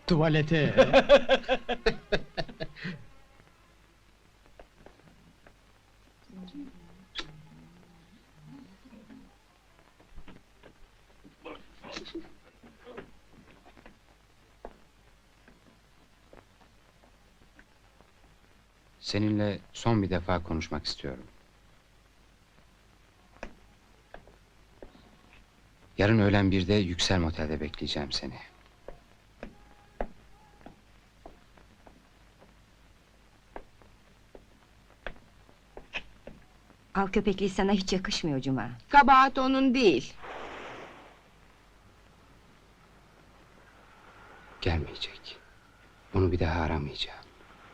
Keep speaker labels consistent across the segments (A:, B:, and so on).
A: Tuvalete.
B: Seninle son bir defa konuşmak istiyorum. Yarın öğlen 1'de Yüksel Motel'de bekleyeceğim seni.
C: Av köpekliği sana hiç yakışmıyor Cuma.
D: Kabahat onun değil.
B: Gelmeyecek. Onu bir daha aramayacağım.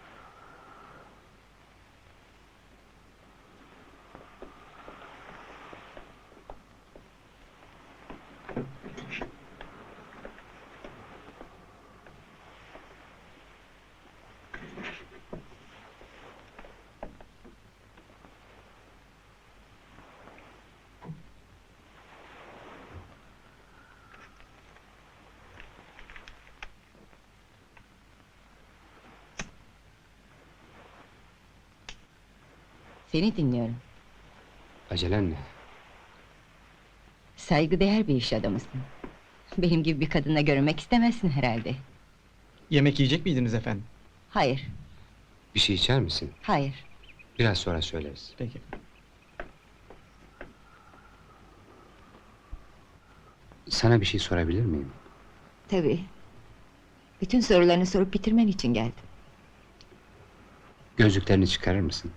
C: Seni dinliyorum.
B: Acelen ne?
C: Saygıdeğer bir iş adamısın. Benim gibi bir kadınla görünmek istemezsin herhalde.
A: Yemek yiyecek miydiniz efendim?
C: Hayır,
B: Bir şey içer misin?
C: hayır.
B: Biraz sonra söyleriz.
A: Peki.
B: Sana bir şey sorabilir miyim?
C: Tabii. Bütün sorularını sorup bitirmen için geldim.
B: Gözlüklerini çıkarır mısın?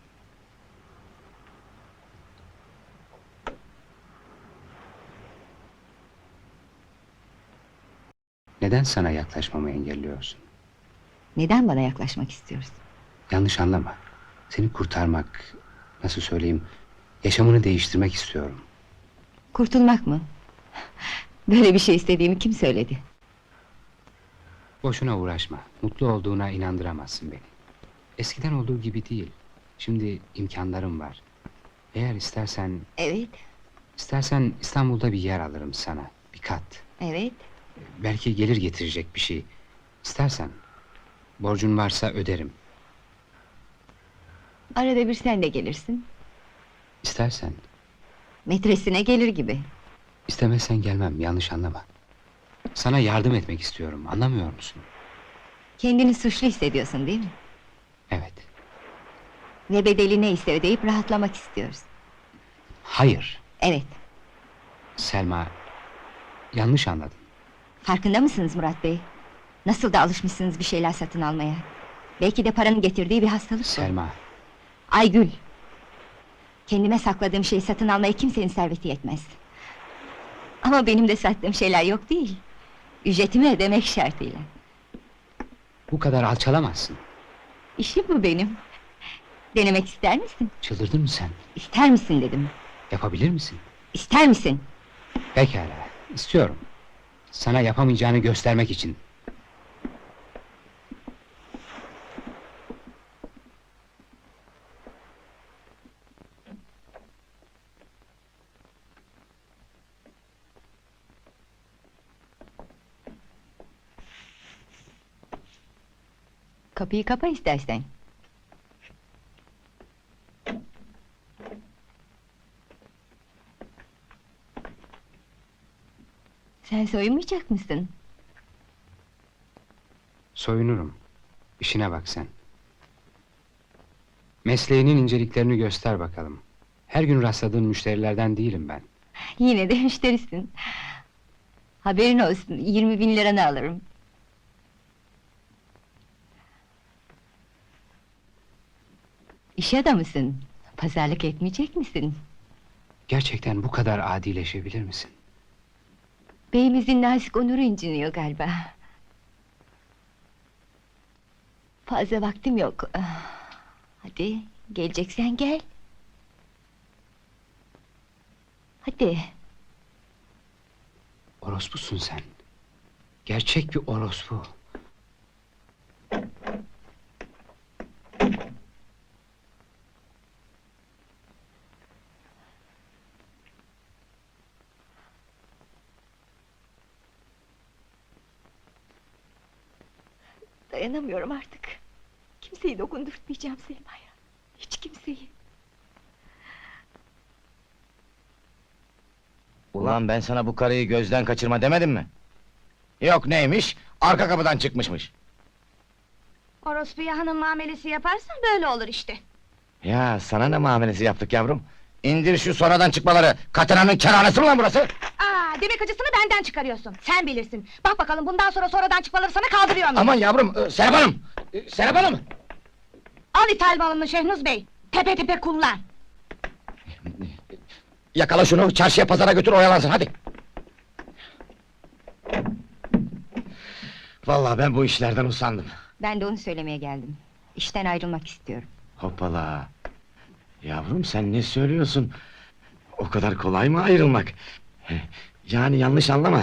B: Neden sana yaklaşmamı engelliyorsun?
C: Neden bana yaklaşmak istiyorsun?
B: Yanlış anlama. Seni kurtarmak, nasıl söyleyeyim, yaşamını değiştirmek istiyorum.
C: Kurtulmak mı? Böyle bir şey istediğimi kim söyledi?
B: Boşuna uğraşma. Mutlu olduğuna inandıramazsın beni. Eskiden olduğu gibi değil. Şimdi imkanlarım var. Eğer istersen,
C: Evet,
B: İstanbul'da bir yer alırım sana. Bir kat.
C: evet.
B: Belki gelir getirecek bir şey. İstersen, borcun varsa öderim.
C: Arada bir sen de gelirsin.
B: İstersen,
C: Metresine gelir gibi.
B: istemezsen gelmem, yanlış anlama. Sana yardım etmek istiyorum, anlamıyor musun?
C: Kendini suçlu hissediyorsun değil mi?
B: Evet.
C: Ve bedeli neyse ödeyip rahatlamak istiyoruz.
B: Hayır,
C: Evet.
B: Selma, yanlış anladın.
C: Farkında mısınız Murat Bey? Nasıl da alışmışsınız bir şeyler satın almaya. Belki de paranın getirdiği bir hastalık bu.
B: Selma,
C: Aygül! Kendime sakladığım şeyi satın almaya kimsenin serveti yetmez. Ama benim de sattığım şeyler yok değil. Ücretimi ödemek şartıyla.
B: bu kadar alçalamazsın.
C: İşim bu benim. Denemek ister misin?
B: Çıldırdın mı sen?
C: İster misin dedim.
B: Yapabilir misin?
C: İster misin?
B: Pekala, istiyorum. Sana yapamayacağını göstermek için.
C: Kapıyı kapa istersen. Sen soyunmayacak mısın?
B: Soyunurum. İşine bak sen. Mesleğinin inceliklerini göster bakalım. Her gün rastladığın müşterilerden değilim ben.
C: Yine de müşterisin. Haberin olsun, 20.000 liranı alırım. İş adamısın. Pazarlık etmeyecek misin?
B: Gerçekten bu kadar adileşebilir misin?
C: Beyimizin nazik onuru inciniyor galiba. Fazla vaktim yok. Hadi, geleceksen gel. Hadi.
B: Orospusun sen. Gerçek bir orospu.
C: Dayanamıyorum artık. Kimseyi dokundurtmayacağım Selma'ya. Hiç kimseyi.
E: Ulan ben sana bu karıyı gözden kaçırma demedim mi? Yok neymiş? Arka kapıdan çıkmışmış.
F: Orospuya hanım muamelesi yaparsan böyle olur işte.
E: Ya sana ne muamelesi yaptık yavrum? İndir şu sonradan çıkmaları. Katerina'nın kerhanesi mi lan burası?
F: Aa, demek acısını benden çıkarıyorsun. Sen bilirsin. Bak bakalım bundan sonra sonradan çıkmaları sana kaldırıyor mu?
E: Aman yavrum, Serap Hanım! Serap Hanım!
F: Al ithal malını Şehnuz Bey. Tepe tepe kullan.
E: Yakala şunu, çarşıya pazara götür oyalansın, hadi! Vallahi ben bu işlerden usandım.
C: Ben de onu söylemeye geldim. İşten ayrılmak istiyorum.
E: Hoppala! Yavrum sen ne söylüyorsun? O kadar kolay mı ayrılmak? Yani yanlış anlama.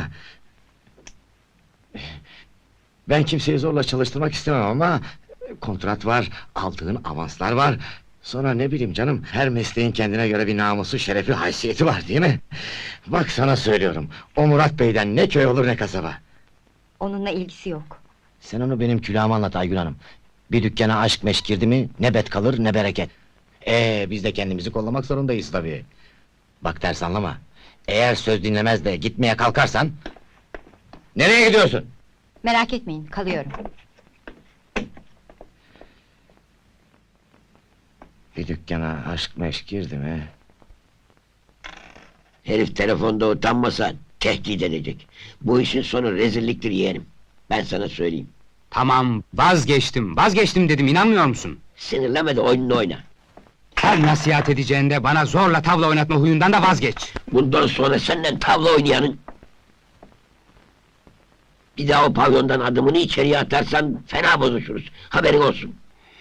E: Ben kimseyi zorla çalıştırmak istemem ama... ...kontrat var, aldığın avanslar var... ...sonra ne bileyim canım... ...her mesleğin kendine göre bir namusu, şerefi, haysiyeti var değil mi? Bak sana söylüyorum... ...o Murat Bey'den ne köy olur ne kasaba.
C: Onunla ilgisi yok.
E: Sen onu benim külahıma anlat Aygül Hanım. Bir dükkana aşk meşk girdi mi... ...ne bet kalır ne bereket. Biz de kendimizi kollamak zorundayız tabii. Bak ters anlama. Eğer söz dinlemez de gitmeye kalkarsan... ...nereye gidiyorsun?
C: Merak etmeyin, kalıyorum.
E: Bir dükkana aşk meşk girdi mi...
G: Herif telefonda utanmasa tehdit edecek. Bu işin sonu rezilliktir yeğenim. Ben sana söyleyeyim.
B: Tamam, vazgeçtim dedim, inanmıyor musun?
G: Sinirlenme de oyununu oyna.
B: Her nasihat edeceğinde bana zorla tavla oynatma huyundan da vazgeç.
G: Bundan sonra senden tavla oynayanın... ...bir daha o pavyondan adımını içeriye atarsan fena bozuşuruz. Haberin olsun.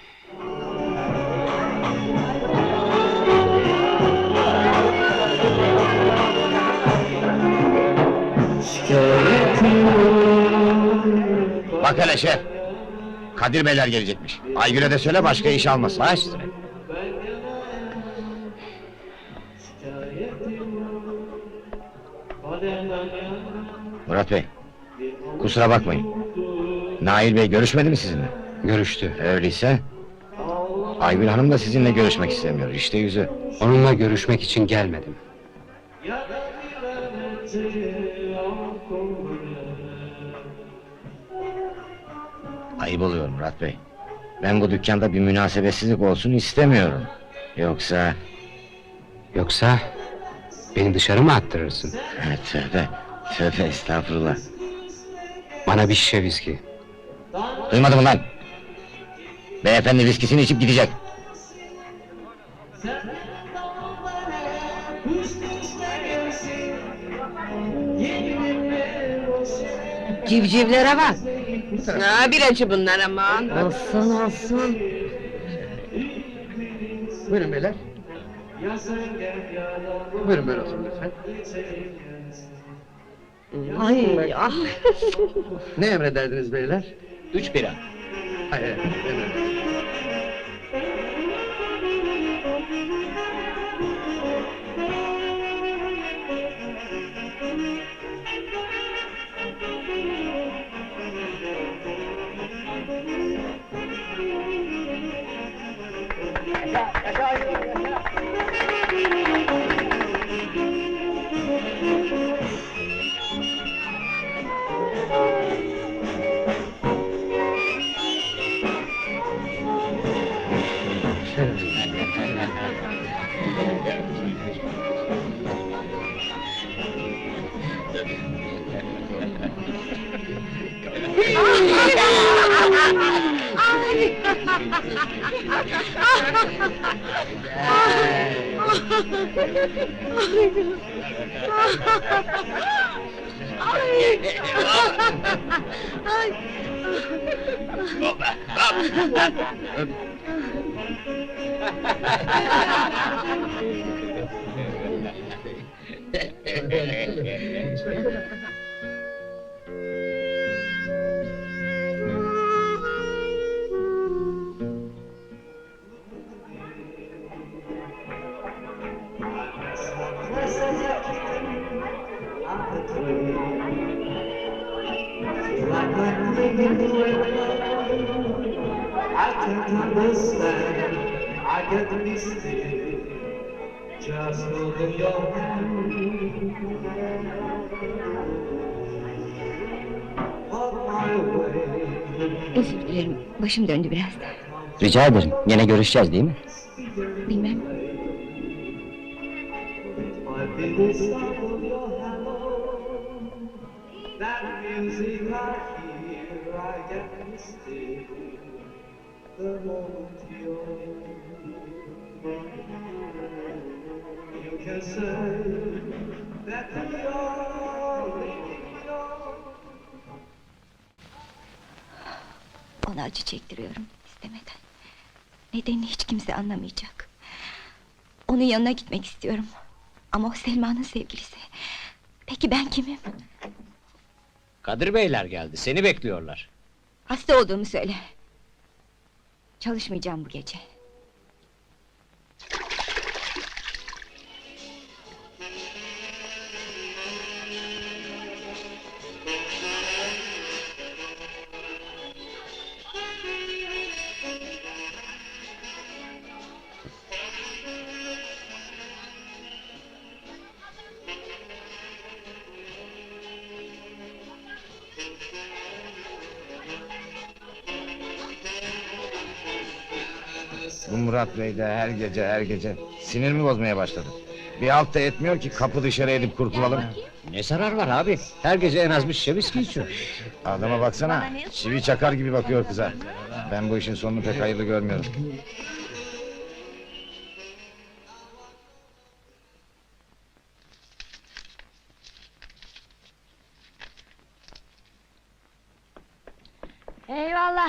E: Bak hele şef! Kadir Beyler gelecekmiş. Aygül'e de söyle başka iş almasın. Baş üstüne. Murat Bey, kusura bakmayın. Nail Bey görüşmedi mi sizinle?
B: Görüştü.
E: Öyleyse... ...Aygül Hanım da sizinle görüşmek istemiyor, işte yüzü.
B: Onunla görüşmek için gelmedim.
E: Ayıp oluyor Murat Bey. Ben bu dükkanda bir münasebetsizlik olsun istemiyorum. Yoksa...
B: Yoksa... ...beni dışarı mı attırırsın?
E: Tövbe estağfurullah.
B: Bana bir şişe viski.
E: Duymadın mı lan? Beyefendi viskisini içip gidecek.
D: Civcivlere bak. Bir acı bunlar aman.
H: Olsun. Buyurun beyler. Buyurun böyle oturun lütfen.
D: Ay ah.
H: Ne emrederdiniz beyler?
E: 3 bira.
H: Hayır, emredin.
I: can't understand. I get misty. Just holding your hand. On my way.
C: Özür dilerim, başım döndü biraz.
A: Rica ederim. Yine görüşeceğiz değil mi?
C: Bilmem.
I: Might be the sound of your hello. That music I hear, I get misty. The moment you're, you can say that you're leaving your.
C: Ona acı çektiriyorum istemeden. Nedenini hiç kimse anlamayacak. Onun yanına gitmek istiyorum. Ama o Selma'nın sevgilisi. Peki ben kimim?
J: Kadir Beyler geldi, seni bekliyorlar.
C: Hasta olduğumu söyle. Çalışmayacağım bu gece.
E: Bu Murat Bey de her gece sinirimi bozmaya başladı. Bir halt da etmiyor ki kapı dışarı edip kurtulalım.
J: Ne zarar var abi? Her gece en az bir şişe viski içiyor.
E: Adama baksana, çivi çakar gibi bakıyor kıza. Ben bu işin sonunu pek hayırlı görmüyorum.
F: Eyvallah.